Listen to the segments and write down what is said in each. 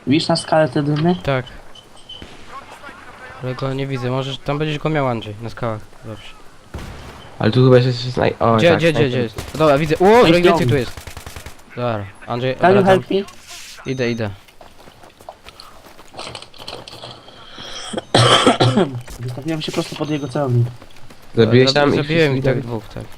Widzisz na skalę te dymy? Tak. Ale go nie widzę, możesz, tam będziesz go miał, Andrzej, na skałach. Dobrze. Ale tu chyba jeszcze snaj... O, Gdzie, tak, gdzie snajper. jest? No dobra, widzę. O, że więcej tu jest. Dobra, Andrzej, Can you wracam. help me? Idę. Wystawiłem się prosto pod jego celownik. Zabiłeś tam i Zabiłem wszyscy ich tak widali? dwóch, tak.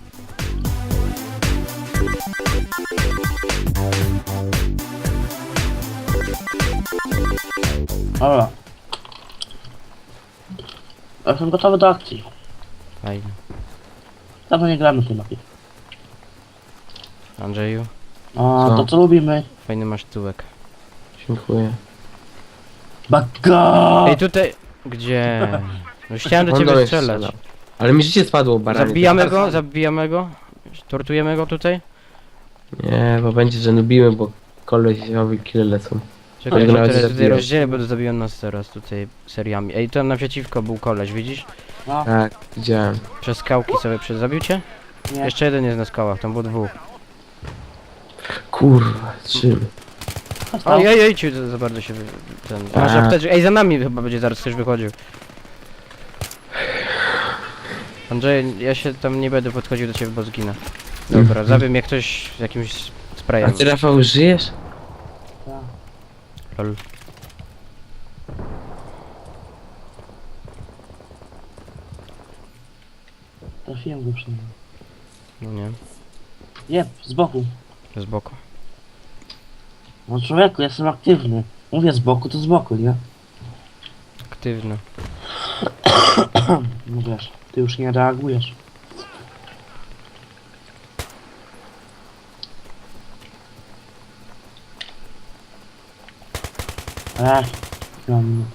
Dobra. Jestem gotowy do akcji. Fajnie. Dawno nie gramy w tej mapie. Andrzeju, O, Co? to co lubimy? fajny masz tyłek. Dziękuję. Baga! Ej, tutaj... Gdzie? No chciałem do On do ciebie mnie strzelać. strzelał. Ale mi życie spadło, baranie. Zabijamy go? Tortujemy go tutaj? Nie, bo będzie, że nubimy, bo kolesiowi kile lecą. Czekaj, Ale że nawet teraz nie tutaj zabiłem. rozdzielę, bo zabiją nas teraz tutaj seriami. Ej, tam naprzeciwko był koleś, widzisz? No, Tak, widziałem. Przez skałki sobie zabił cię? nie. Jeszcze jeden jest na skałach, tam było dwóch. Kurwa, czym? Został. Ojej, ci za bardzo się ten... Masz A. apteczkę. Ej, za nami chyba będzie zaraz ktoś wychodził. Andrzej, ja się tam nie będę podchodził do ciebie, bo zginę. Dobra, zabił mnie ktoś z jakimś A sprayem. ty, Rafał, żyjesz? Tak. Lol. Trafiłem go przynajmniej. No nie, Jeb, z boku. z boku. No człowieku, jestem aktywny. Mówię z boku, to z boku, nie? Aktywny. No wiesz, ty już nie reagujesz. Mam...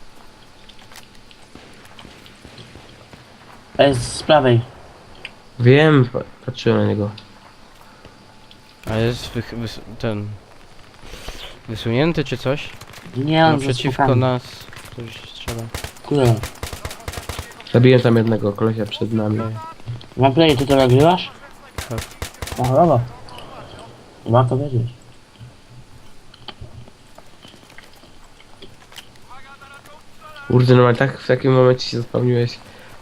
z prawej. Wiem, patrzyłem na niego. A jest ten... Wysunięty czy coś? Nie, on Naprzeciwko nas ktoś strzela. Kurde. Zabiłem tam jednego kolesia przed nami. Okej. Mam play, ty to nagrywasz? Tak. O, dobra. Warto wiedzieć. Kurde, no ale tak w takim momencie się zapomniałeś.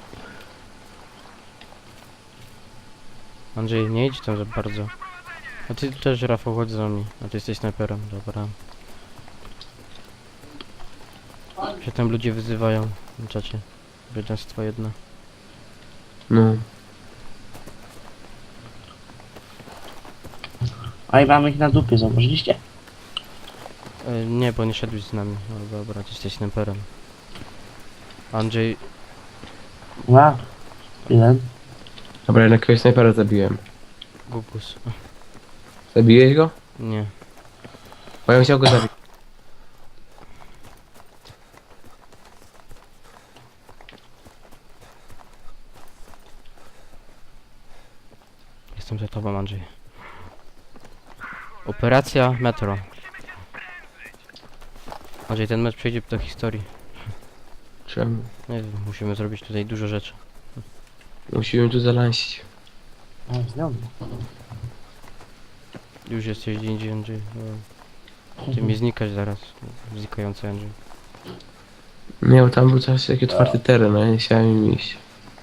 Andrzej, nie idź tam za bardzo. A ty też, Rafał, chodź za mnie. A ty jesteś snajperem, dobra. Się tam ludzie wyzywają na czacie. Bydlęstwo jedno. No. A i mamy ich na dupie, zauważyliście? Nie, bo nie szedłeś z nami. No dobra, ty jesteś snajperem. Andrzej, Ła. Jeden. Dobra, jednak jakiegoś snajpera zabiłem. Gugus. Zabiłeś go? Nie. Bo ja bym chciał go zabić. Jestem za tobą, Andrzej. Operacja Metro. Andrzej, ten mecz przejdzie do historii. Czemu? Nie wiem, musimy zrobić tutaj dużo rzeczy. Musimy tu zalansić. A, znowu. Już jesteś gdzie indziej, Andrzej. Ty mi znikasz zaraz. Znikający Andrzej. Nie, bo tam był coś taki otwarty teren, a ja nie chciałem im iść.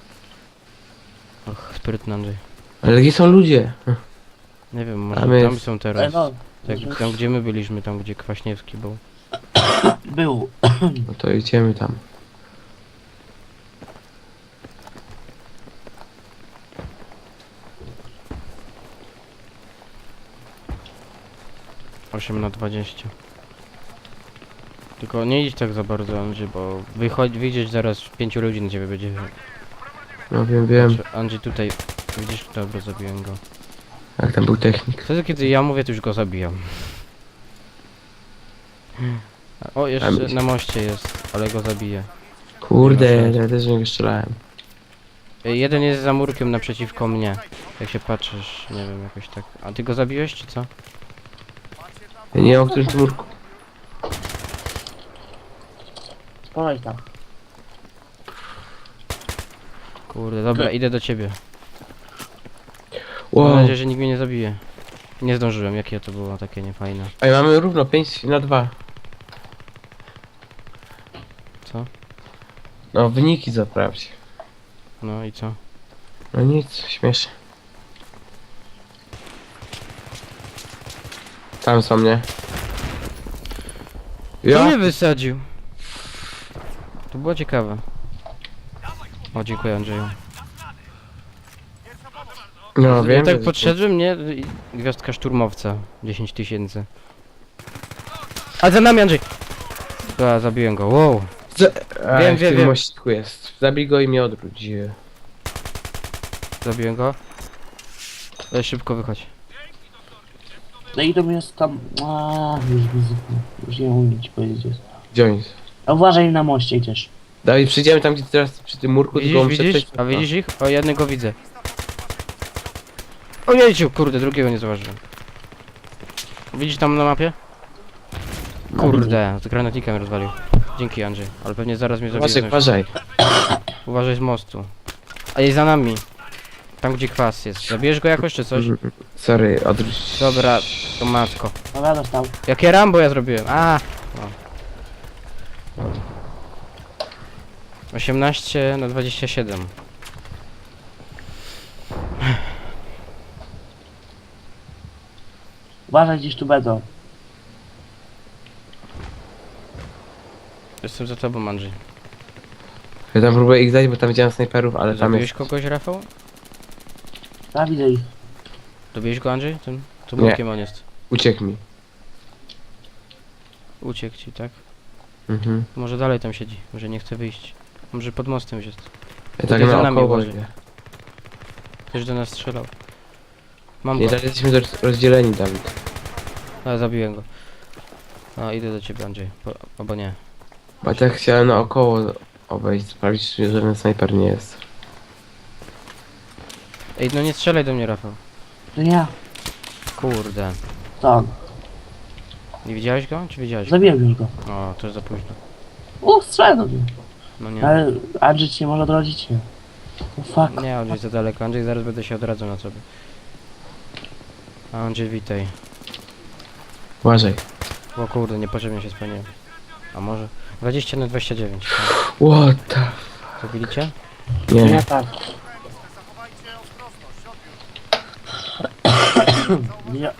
Och, sprytny Andrzej. Ale gdzie są ludzie? Nie wiem, może Tam tam jest- są Ej, teraz. no. Tam gdzie my byliśmy, tam gdzie Kwaśniewski był. Był. No to idziemy tam. Osiem na 20. Tylko nie idź tak za bardzo, Andrzej, bo wyjdziesz zaraz 5 ludzi na ciebie będzie. No wiem. Patrz, Andrzej tutaj, widzisz, dobra, zabiłem go. Jak tam był technik. Wtedy kiedy ja mówię, to już go zabijam. O, jeszcze myśl- na moście jest, ale go zabiję. Kurde, Nie ma ja też w niego strzelałem. Jeden jest za murkiem naprzeciwko mnie. Jak się patrzysz, nie wiem, jakoś tak. A ty go zabiłeś, czy co? Ja nie wiem, o którym tu murku. Spalaj tam. Kurde, dobra, idę do ciebie. Wow. Mam nadzieję, że nikt mnie nie zabije. Nie zdążyłem, jakie to było takie niefajne. Ej, mamy równo 5 na 2. No, wyniki zaprawdź. No i co? No nic, śmiesznie. Tam są mnie. Kto mnie Ja? wysadził? To było ciekawe. O, dziękuję Andrzeju. No Ja wiem. tak że- podszedłem, nie? I gwiazdka szturmowca. 10 000. A za nami Andrzej! A, zabiłem go, wow. Wiem, wiem, w tym wiem. mościku jest. Zabij go i mnie odwróć. Zabiłem go. Ale szybko wychodź. No i to jest tam... już nie umiem ci powiedzieć. Gdzie oni są? A uważaj na moście gdzieś. Dawid, przyjdziemy tam, gdzie teraz przy tym murku, tylko Widzisz, muszę widzisz? przejść. A widzisz ich? O, jednego widzę. O jejciu, kurde, drugiego nie zauważyłem. Widzisz tam na mapie? Kurde, z granatnikiem rozwalił. Dzięki Andrzej, ale pewnie zaraz mnie Uważaj, zabije. uważaj. Uważaj z mostu. A jest za nami. Tam gdzie kwas jest. Zabierz go jakoś czy coś? Sorry, odwróć. Dobra, to matko. Dobra, dostał. Jakie Rambo ja zrobiłem? A! O. 18 na 27. Uważaj, gdzieś tu będą. Jestem za tobą, Andrzej. Ja tam próbuję ich dać, bo tam widziałem snajperów, ale tam Zabiłeś jest... kogoś, Rafał? Ja widzę ich. Dobiłeś go, Andrzej? Tym? To Nie. bokiem on jest. Uciekł mi. Uciekł ci, tak? Mhm. Może dalej tam siedzi. Może nie chce wyjść. Może pod mostem już jest. Ja Tutaj tak za na nami około uważaj. idę. Ktoś do nas strzelał. Mam Nie, go. teraz jesteśmy rozdzieleni, Dawid. A, zabiłem go. A, idę do ciebie, Andrzej. Albo nie. Bo tak chciałem naokoło obejść, sprawdzić, czy żaden snajper nie jest. Ej, no nie strzelaj do mnie, Rafał. To nie ja. Kurde. To on. Nie widziałeś go? Czy widziałeś go? Zabiłem już go. O, to jest za późno. Strzelę do mnie. No nie. Ale Andrzej ci nie może odrodzić się. Oh fuck. Nie, Andrzej za daleko. Andrzej, zaraz będę się odradzał na sobie. A Andrzej, witaj. Uważaj. O kurde, niepotrzebnie się spełniłem. A może? 20 na 29. What the... Zabili cię? Nie Nie. tak. Nie.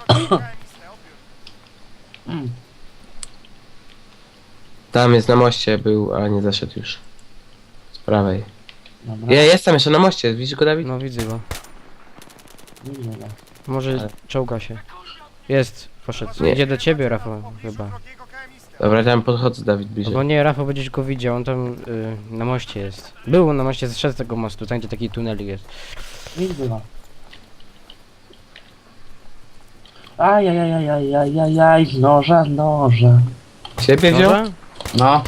Tam jest na moście był, a nie zaszedł już. Z prawej. Dobra. Ja jestem jeszcze na moście, widzisz go, Dawid? No widzę go. Nie widzę go. Może Ale- czołga się. Jest, poszedł. Nie. Idzie do ciebie, Rafał, chyba. Dobra, tam podchodzę, Dawid, bliżej. Albo nie, Rafał będziesz go widział, on tam na moście jest. Był na moście, zszedł z tego mostu, tam gdzie taki tunel jest. Nie widzę go. Ajajajajajajajaj, z noża, z noża. Ciebie wziął? Dobra? No.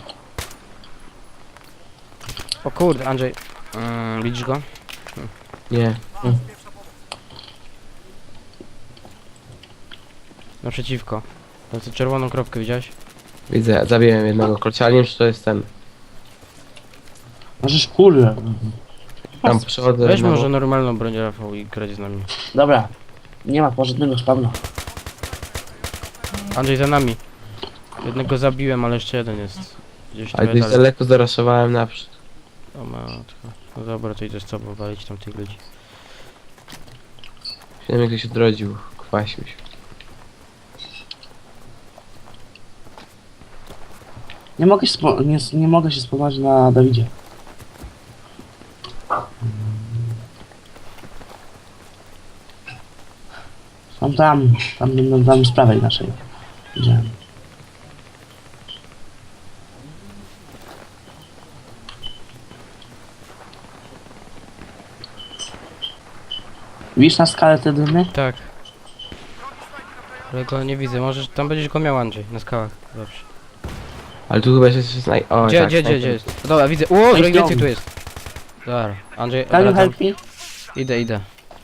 O kurde, Andrzej. Widzisz go? Nie. Naprzeciwko. Tam tę czerwoną kropkę widziałeś? Widzę, zabiłem jednego kolcia, ale nie wiem, czy to jest ten. Możesz kurde. Tam przechodzę. Weź na może bok. normalną broń, Rafał, i grać z nami. Dobra. Nie ma porządnego spawna. Andrzej, za nami. Jednego zabiłem, ale jeszcze jeden jest. Gdzieś Ale trochę gdzieś dalej. daleko zaraszowałem naprzód. O matko. No dobra, to idę z tobą walić tam tych ludzi. Wiem, jak ktoś odrodził, kwasił się. Nie mogę się, nie mogę się spodziewać na Dawidzie. Są tam z prawej naszej. Widziałem. Widzisz na skalę te dymy? Tak. Ale go nie widzę, możesz, tam będziesz go miał, Andrzej, na skałach. Dobrze. Ale tu chyba jeszcze snaj... O, Gdzie, tak, gdzie snajper. jest? No dobra, widzę. O, Weź więcej ją. tu jest. Dobra, Andrzej, Can you odwracam. help me? Idę.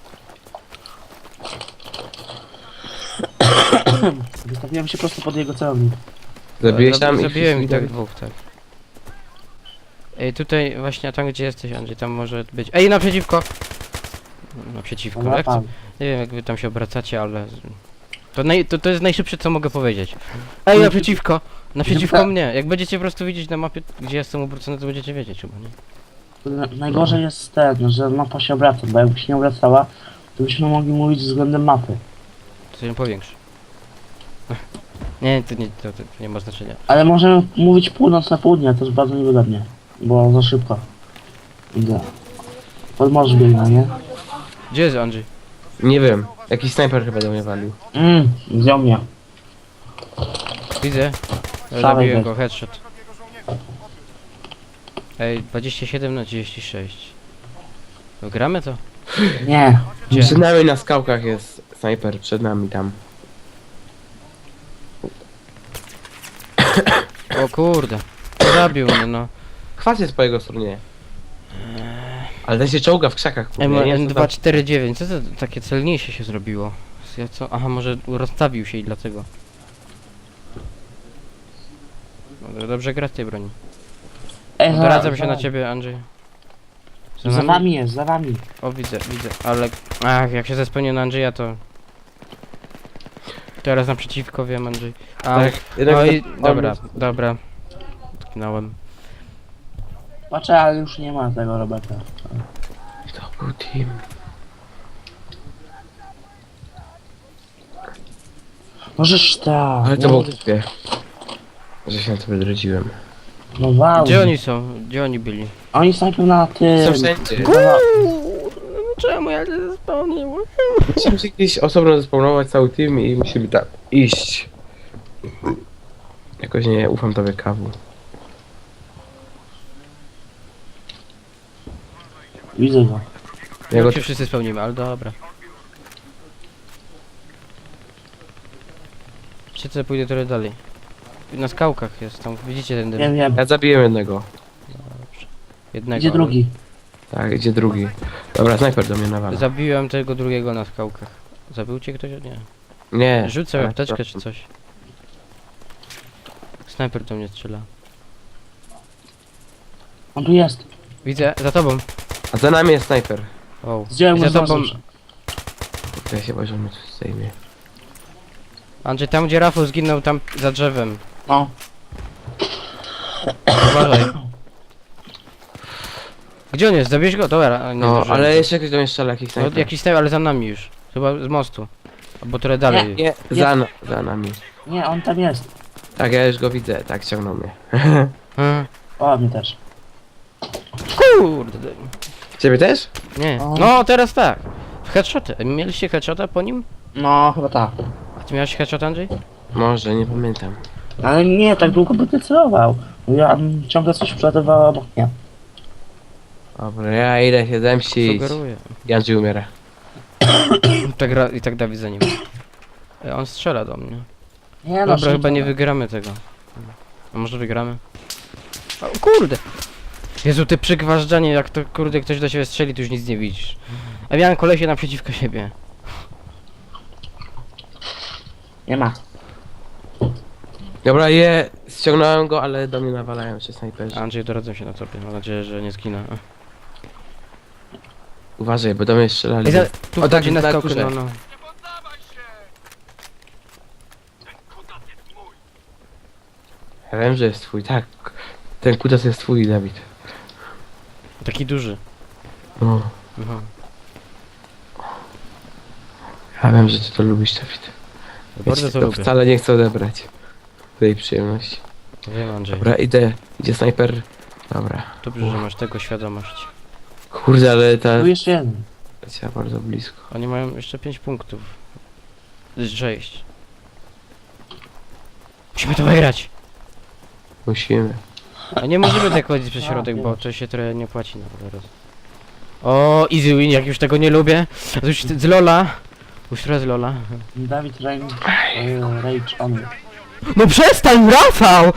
Wystawiłem się prosto pod jego celownik. Zabiłeś tam Zabiłem i tak Dawid? dwóch, tak. Ej, tutaj właśnie, tam gdzie jesteś, Andrzej, tam może być. Ej, naprzeciwko! Naprzeciwko, Dobra, jak? pan. Nie wiem, jak wy tam się obracacie, ale... To jest najszybsze, co mogę powiedzieć. Ej, naprzeciwko! Naprzeciwko mnie. Jak będziecie po prostu widzieć na mapie, gdzie jestem obrócony, to będziecie wiedzieć chyba, nie? Najgorzej jest ten, że mapa się obraca, bo jakby się nie obracała, to byśmy mogli mówić względem mapy. To się powiększy. Nie, to nie ma znaczenia. Ale możemy mówić północ na południe, to jest bardzo niewygodnie, bo za szybko. Idę. Pod morze biegnę, nie? Gdzie jest Andrzej? Nie wiem. Jakiś snajper chyba do mnie walił. Wziął mnie. Widzę. Szalej Zabiłem weź. go, headshot. Ej, 27/36. No gramy to? Nie. Gdzie? Przed nami na skałkach jest snajper, przed nami tam. O kurde. Zabił mnie, no. Kwas jest po jego stronie. Ale ten się czołga w krzakach. kurde, ja nie wiem, co tam- M249, co to takie celniejsze się zrobiło? Aha, może rozstawił się i dlatego. No, dobrze gra w tej broni. Ej, Odradzam się na ciebie, Andrzej. Za wami jest, za wami. O, widzę, ale... Ach, jak się zespełnię na Andrzeja, to... Teraz naprzeciwko wiem, Andrzej. A, Tak, jednak no i... za- Dobra. Tknąłem. Patrzę, ale już nie ma tego Roberta. To był team. Możesz tak. Ale to było głupie. Że się na to wydrodziłem. No wow. Gdzie oni są? Gdzie oni byli? Oni snajpią na tym. Są wszędzie. Czemu ja się zespełniłem? Musimy się gdzieś osobno zespawnować cały team i musimy tak iść. Jakoś nie ufam tobie, Kawu. Widzę go. Ja go Jak się wszyscy spełnimy, ale dobra. Wiecie co, pójdę trochę dalej. Na skałkach jest, tam widzicie ten dym. Wiem. Ja zabiłem jednego. Jednego. Gdzie drugi? Tak, idzie drugi. Dobra, snajper do mnie nawala. Zabiłem tego drugiego na skałkach. Zabił cię ktoś? Nie. Nie. Rzuć sobie ale- apteczkę czy coś. Snajper do mnie strzela. On tu jest. Widzę, za tobą. A za nami jest snajper. Wow. Zdjąłem I mu za tobą. z Ja się boję, że mnie coś zdejmie. Andrzej, tam gdzie Rafał zginął, tam za drzewem. No. Uważaj. Gdzie on jest? Zabiłeś go? Dobra, nie No, zdążyłem. ale jeszcze ktoś do mnie strzela, jakiś No, snajper. jakiś snajper, ale za nami już. Chyba z mostu. Albo trochę dalej. Nie, za nami. Nie, on tam jest. Tak, ja już go widzę, tak, ciągnął mnie. Hmm. O, mnie też. Kurde. Ciebie też? Nie. O. No, teraz tak. W headshoty. Mieliście headshota po nim? No, chyba tak. A ty miałeś headshot, Andrzej? Może, nie pamiętam. Ale nie, tak długo by ty celował. Ja ciągle coś przelatywało obok mnie. Dobra, ja idę się zemścić. Sugeruję. Andrzej umiera. Tak gra i tak Dawid za nim. On strzela do mnie. Nie no, Dobra, chyba nie szybko. wygramy tego. A może wygramy? O kurde! Jezu, ty przygważdżanie, jak to kurde ktoś do siebie strzeli, to już nic nie widzisz. A miałem kolesie naprzeciwko siebie. Nie ma. Dobra, ściągnąłem go, ale do mnie nawalają się snajperzy. Andrzej, doradzam się na tobie, mam nadzieję, że nie zginę. Uważaj, bo do mnie strzelali. Ej, tu O, tak, wchodzi na na skałkę, górze. no. Ja wiem, że jest twój, tak. Ten kutas jest twój, Dawid. Taki duży. No. Aha. Ja wiem, że ty to lubisz, Dawid. Ja Bardzo ci to to lubię. wcale nie chcę odebrać tej przyjemności. Wiem, Andrzej. Dobra, idzie snajper. Dobra. Dobrze, że masz tego świadomość. Kurde, ale ta Tu jeszcze jeden. leciała bardzo blisko. Oni mają jeszcze 5 punktów. 6. Musimy to wygrać! Musimy. A nie możemy tak chodzić przez środek, bo to się trochę nie płaci na teraz. O, easy win, jak już tego nie lubię. To już z Lola. Już trochę z Lola. Dawid Rage on. No przestań, Rafał!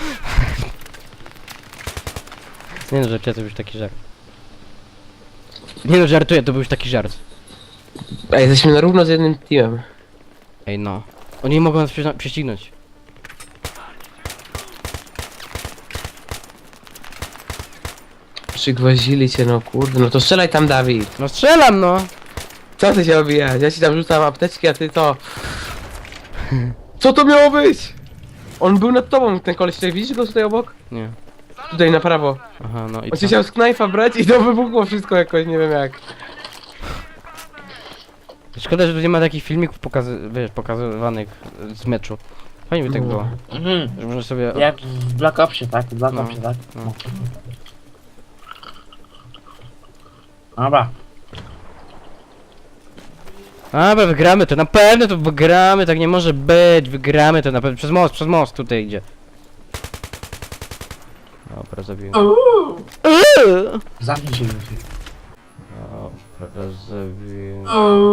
Nie no, żartuję, to był już taki żart. Nie no, żartuję, to był już taki żart. Ej, jesteśmy na równo z jednym teamem. Ej no. Oni mogą nas prześcignąć. Przygwozili cię, no kurde. No to strzelaj tam, Dawid. No strzelam no! Co ty się obijać? Ja ci tam rzucam apteczki, a ty to... Co to miało być? On był nad tobą, ten koleś tutaj, widzisz go tutaj obok? Nie. Tutaj na prawo. Aha, no i On co? się chciał z knajfa brać i to wybuchło wszystko jakoś, nie wiem jak. Szkoda, że tu nie ma takich filmików pokazywanych z meczu. Fajnie by tak było. Mhm. Że można sobie... Jak w Black Opsie, tak? W Black No, Opsie, tak? no. Dobra. Dobra, wygramy to, na pewno to wygramy, tak nie może być, wygramy to na pewno, przez most tutaj idzie. Dobra, zabiłem. Zamknij się. Dobra, zabiłem.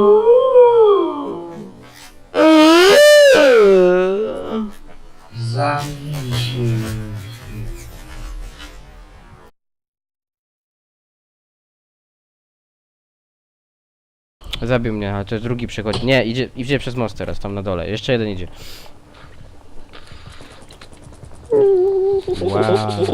Zamknij się. Zabił mnie, ale to jest drugi przychodzi. Nie, idzie przez most teraz, tam na dole. Jeszcze jeden idzie. Wow.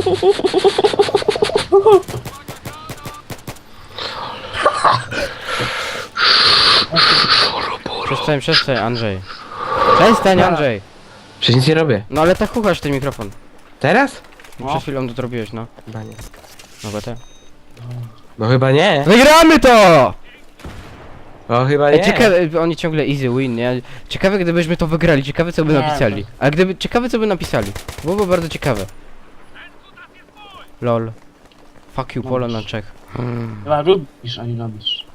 Przestań, Andrzej. Przestań, Andrzej. Przecież nic nie robię. No ale tak chuchasz ten mikrofon. Teraz? No. Przed chwilą to zrobiłeś, no. Chyba nie. No bo te. No chyba nie. Wygramy to! No chyba Ej, nie. ciekawe, oni ciągle easy win, nie? Ciekawe gdybyśmy to wygrali, ciekawe co by Nie, napisali. Ale gdyby, ciekawe co by napisali. Byłoby bardzo ciekawe. Lol. Fuck you, Polo na Czech. Chyba lubisz, a nie lubisz.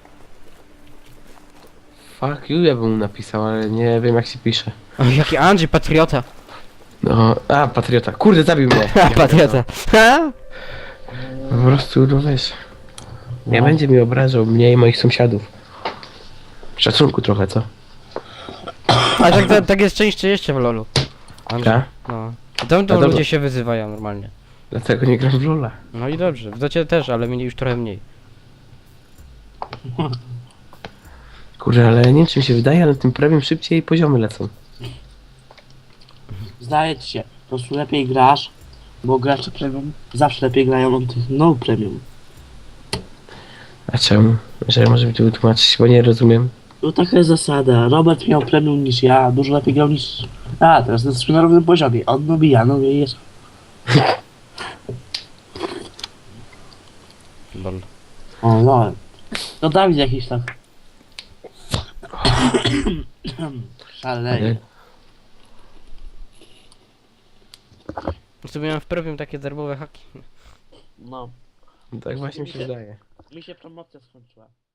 Fuck you, ja bym mu napisał, ale nie wiem jak się pisze. O, jaki Andrzej, patriota. No, a patriota. Kurde, zabił mnie. Ha, patriota. Ha? Po prostu, no wiesz. Nie No. będzie mi obrażał mnie i moich sąsiadów. Szacunku trochę, co? A tak jest częściej jeszcze w lolu. Andrzej. Tak? No. Tam dobra. ludzie się wyzywają normalnie. Dlatego nie gram w Lola. No i dobrze, w docie też, ale mnie już trochę mniej. Kurde, ale nie wiem czy mi się wydaje, ale tym premium szybciej poziomy lecą. Zdaje ci się, po prostu lepiej grasz, bo gracze premium zawsze lepiej grają od tych no premium. A czemu? Że może mi tu wytłumaczyć, bo nie rozumiem. No taka jest zasada. Robert miał premium niż ja, dużo lepiej grał niż... A, teraz jesteśmy na równym poziomie. On lubi, ja no i jest... Lol. O, no. To Dawid jakiś tak... Szaleje. Sobie miałem w premium takie darmowe haki. No. Tak właśnie mi się wydaje. Mi się promocja skończyła.